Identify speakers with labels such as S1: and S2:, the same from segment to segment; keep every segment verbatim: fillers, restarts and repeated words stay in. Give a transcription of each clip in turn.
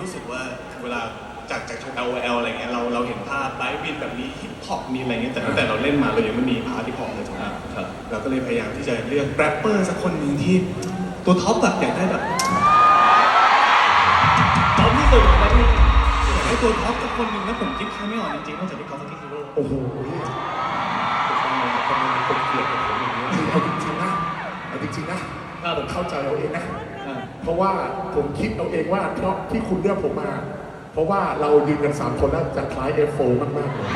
S1: รู้สึกว่าเวลาจากจาก แอล โอ แอล อะไรเงี้ยเราเราเห็นภาพไลฟ์วินแบบนี้ฮิปฮอปมีอะไรเงี้ยแต่ตั้งแต่เราเล่นมาเรายังไม่มีพาร์ทฮิปฮอปเลยถูกไหมครับเราก็เลยพยายามที่จะเลือกแรปเปอร์สักคนหนึ่งที่ตัวท็อปแบบอยากได้แบบท็อปที่สุดแล้วนี่อยากได้ตัวท็อปสักคนหนึ่งแล้วผมคิดใครไม่ออกจริงๆนอกจากที่เขาฟักกิ้งฮีโร่
S2: โอ้โหทำไมคนเกลียดผมอย่างนี้คือเอาจริงๆนะเอาจริงๆนะผมเข้าใจเอาเองนะเพราะว่าผมคิดเอาเองว่าเพราะที่คุณเลือกผมมาเพราะว่าเรายืนกันสามคนแล้วจะคล้าย เอฟ โฟร์ มากๆเลย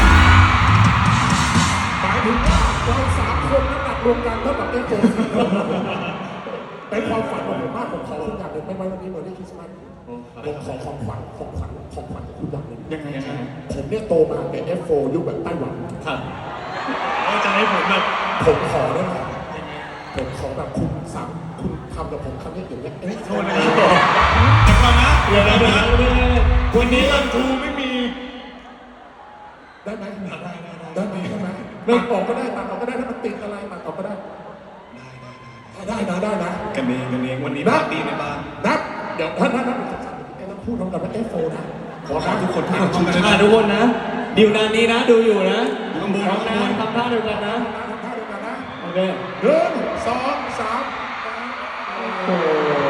S2: หมายถึงว่าเราสามคนน้ำหนักรวมกันเท่ากับ เอฟ โฟร์ เป็นความฝันของผมมากผมขอคุณอย่างหนึ่งไม่ไว้วันนี้เมื่อได้คริสต์มาสผมขอของขวัญของขวัญของขวัญคุณอย่างหนึ่งยังไงยังไงผมเนี่ยโตมาเป็น เอฟ โฟร์ ยุคแบบไต้หวัน
S1: ครับแล้วจะให้ผมแบบ
S2: ผมขอได้ไหมผมขอแบบคุณสั่งคุณทำกับผมคำนี้อย่างเงี้ยเอ๊ะ
S1: โทษนะครับเดี๋ยวก่อนนะเดี๋ยวนะวันนี้รันทูไม่มี
S2: ได้ไหมได้ได้ได้ได้ไหมตัดออกก็ได้ตัดออกก็ได้ถ้ามันติดอะไรตัดออกก็ได้ได้ได้ได้นะ
S1: กันเองกันเองวันนี้ปาร์ตี้ในบ้าน
S2: นับเดี๋ยวท่านท่านท่านต้องพูดพร้อมกันว่า เอฟ โฟร์ นะ
S1: ขอทุกคนทุกคน
S3: ทุกคนนะดิวนานนี้นะดูอยู่นะ
S1: ทำบุญทำบุญ
S3: ทำท่าเดียวกันนะ
S2: ทำท่าเดียวกันนะ
S3: โอเค
S2: หนึ่งสองสามโอ้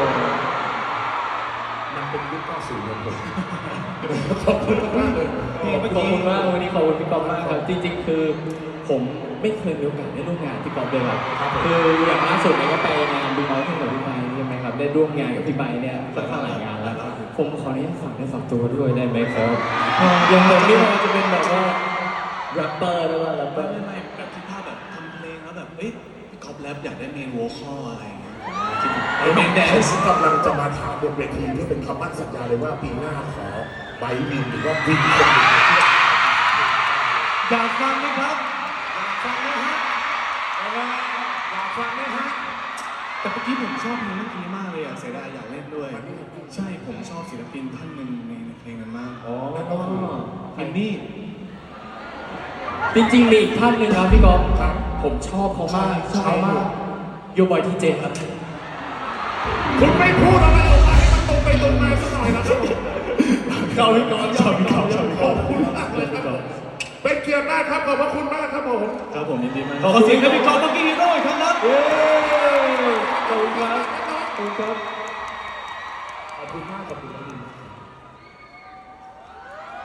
S2: มันเป็นยุคเก้าสิบเลยผมขอบคุณมากเลย
S3: ขอบคุณมากวันนี้ขอบคุณพี่กอล์ฟมากครับจริงๆคือผมไม่เคยมีโอกาสได้ร่วมงานพี่กอล์ฟเลยครับคืออย่างล่าสุดเนี่ยก็ไปงานดูน้องที่กับพี่ไมค์ใช่ไหมครับได้ร่วมงานกับพี่ไมค์เนี่ยสักหลายงานแล้วผมขออนุญาตฝากได้ฝากตัวด้วยได้ไหมครับอย่างผมนี่มันจะเป็นแบบว่าแรปเปอร์หรือว่าแรปเปอร์
S1: ไม่ไม่แบบคิดภาพแบบทำเพลงแล้วแบบเอ้ยพี่กอล์ฟแรปอยากได้เมนโวคอลอะไรอย่างเงี้ยคิด
S2: ไอ้เมนแดนซ์กำลังจะมาถามบนเวทีเพื่อเป็นคำมั่นสัญญาเลยว่าปีหน้าขอไบวินหรือว่าวินคนหนึ่ง
S1: อยากฟังไหมครับ
S2: อยากฟังไหมฮะอยากฟังไหมฮะ
S1: แต่เมื่อกี้ผมชอบเพลงเมื่อกี้มากเลยอ่ะเสียดายอยากเล่นด้วยใช่ผมชอบศิลปินท่านหนึ่งในเพลงนั้นมาก
S2: อ๋อนั่นก็คือ
S1: มินนี่
S3: จริงๆมีอีกท่านหนึ่งครับพี่กอล์ฟผมชอบเขามากชอบมากโยบอยทีเจครับ
S2: คุณไม่พูดอะไรออกมาให้มันตรงไปตรงมาสักหน่อยนะครับ
S3: ชอบพี่กอล์ฟชอบพี่กอล์ฟชอบพี่กอล์ฟ
S2: ขอบคุณมากเลยครับเป็นเกียรติมากครับขอบพระคุณมากครับผม
S1: ครับผมยินดีมากขอเสียงให้พี่กอล์ฟเมื่อกี้ด้วยครับ
S3: เย้ขอบคุณครับขอบคุณครับ